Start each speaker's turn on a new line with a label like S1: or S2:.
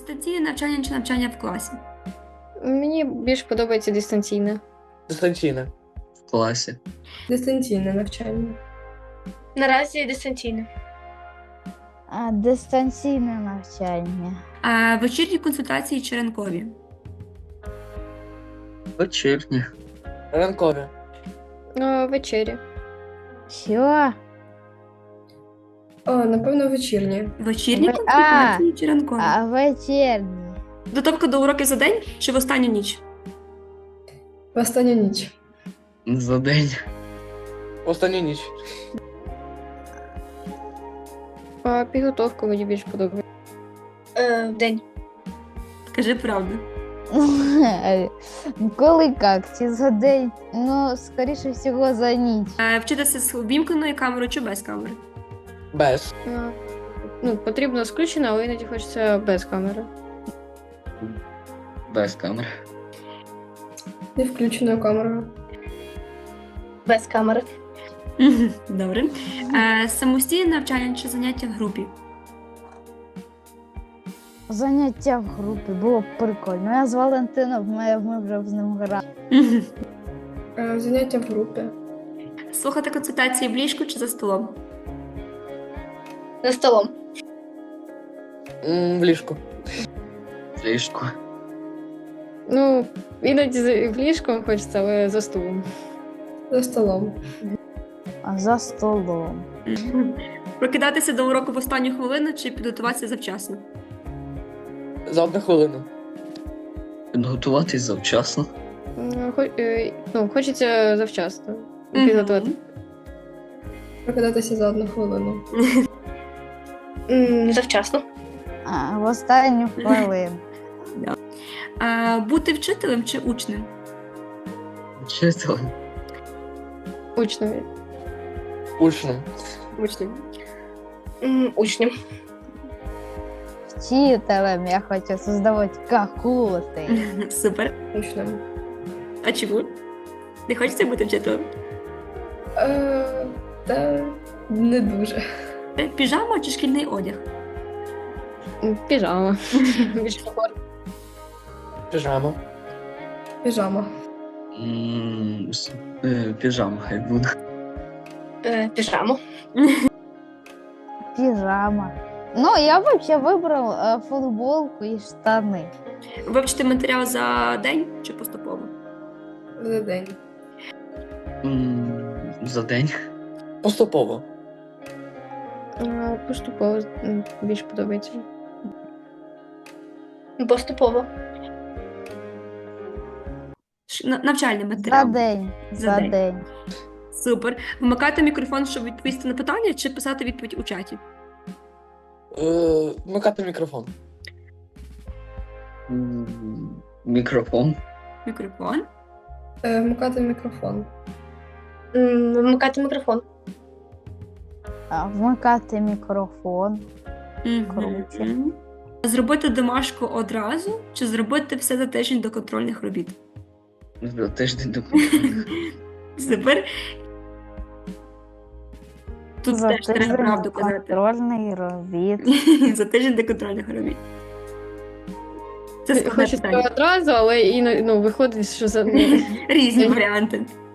S1: дистанційне навчання чи навчання в класі?
S2: Мені більш подобається дистанційне.
S3: Дистанційне.
S4: В класі.
S5: Дистанційне навчання.
S6: Наразі дистанційне.
S7: Дистанційне навчання.
S1: Вечірні консультації чи ранкові?
S4: Вечірні.
S3: Ранкові.
S2: Вечері.
S7: Що?
S5: Напевно, вечірнє.
S1: Вечірні
S7: А,
S1: консультації чи ранкові?
S7: Вечірні.
S1: Підготовка до уроків за день чи в останню ніч?
S5: В останню ніч.
S4: За день.
S3: Останню ніч.
S2: Підготовка мені більш подобається.
S6: Вдень.
S1: Кажи правду.
S7: Коли як? Чи за день? Ну, скоріше всього, за ніч.
S1: Вчитися з увімкненою камерою чи без камери?
S3: Без.
S2: Потрібно включено, але іноді хочеться без камери.
S4: Без камери.
S5: Не включеною камерою.
S6: Без камери.
S1: Добре. Самостійне навчання чи заняття в групі?
S7: Заняття в групі було б прикольно. Я з Валентином, ми вже з ним грали.
S5: Заняття в групі.
S1: Слухати консультації в ліжку чи за столом?
S6: За столом.
S3: В ліжку.
S4: В ліжку.
S2: Іноді в ліжком хочеться, але за столом.
S5: За столом.
S7: За столом.
S1: Прокидатися до уроку в останню хвилину чи підготуватися завчасно?
S3: За 1 хвилину.
S4: Підготуватись завчасно.
S2: Хочеться завчасно.
S1: Мгм.
S2: Підготувати.
S5: Прокидатися за 1 хвилину.
S6: Завчасно.
S7: В останню хвилину.
S1: Бути вчителем чи учнем?
S4: Вчителем.
S2: Учневі.
S3: Учнем.
S1: Учнем.
S6: Учнем.
S7: Вчителем я хочу создавати какулти.
S1: Супер.
S5: Учнем.
S1: А чому? Не хочеться бути вчителем?
S5: Та не дуже.
S1: Піжама чи шкільний одяг?
S2: Піжама. Більш комфортно.
S3: Піжама.
S5: Піжама.
S4: Піжама хай буде.
S6: Піжаму.
S7: Піжама. Я взагалі вибрав футболку і штани.
S1: Вивчити матеріал за день чи поступово?
S5: За день.
S4: За день.
S3: Поступово.
S2: Поступово більш подобається.
S6: Поступово.
S1: Навчальний
S7: За
S1: матеріал.
S7: день.
S1: За
S7: За
S1: день.
S7: день.
S1: Супер. Вмикати мікрофон, щоб відповісти на питання, чи писати відповідь у чаті?
S3: Вмикати мікрофон.
S4: Мікрофон.
S1: Мікрофон.
S5: Вмикати мікрофон.
S6: Вмикати мікрофон.
S7: Вмикати мікрофон.
S1: Мгм.
S7: Круче.
S1: Зробити домашку одразу, чи зробити все за тиждень до контрольних робіт?
S4: За тиждень до контрольних.
S1: Супер. Тут
S7: За
S1: теж треба
S7: тиждень
S1: правду казати.
S7: контрольний робіт.
S1: За тиждень до контрольних робіт. Це складне
S2: Хочеться
S1: питання.
S2: одразу, але виходить, що за
S1: Різні варіанти.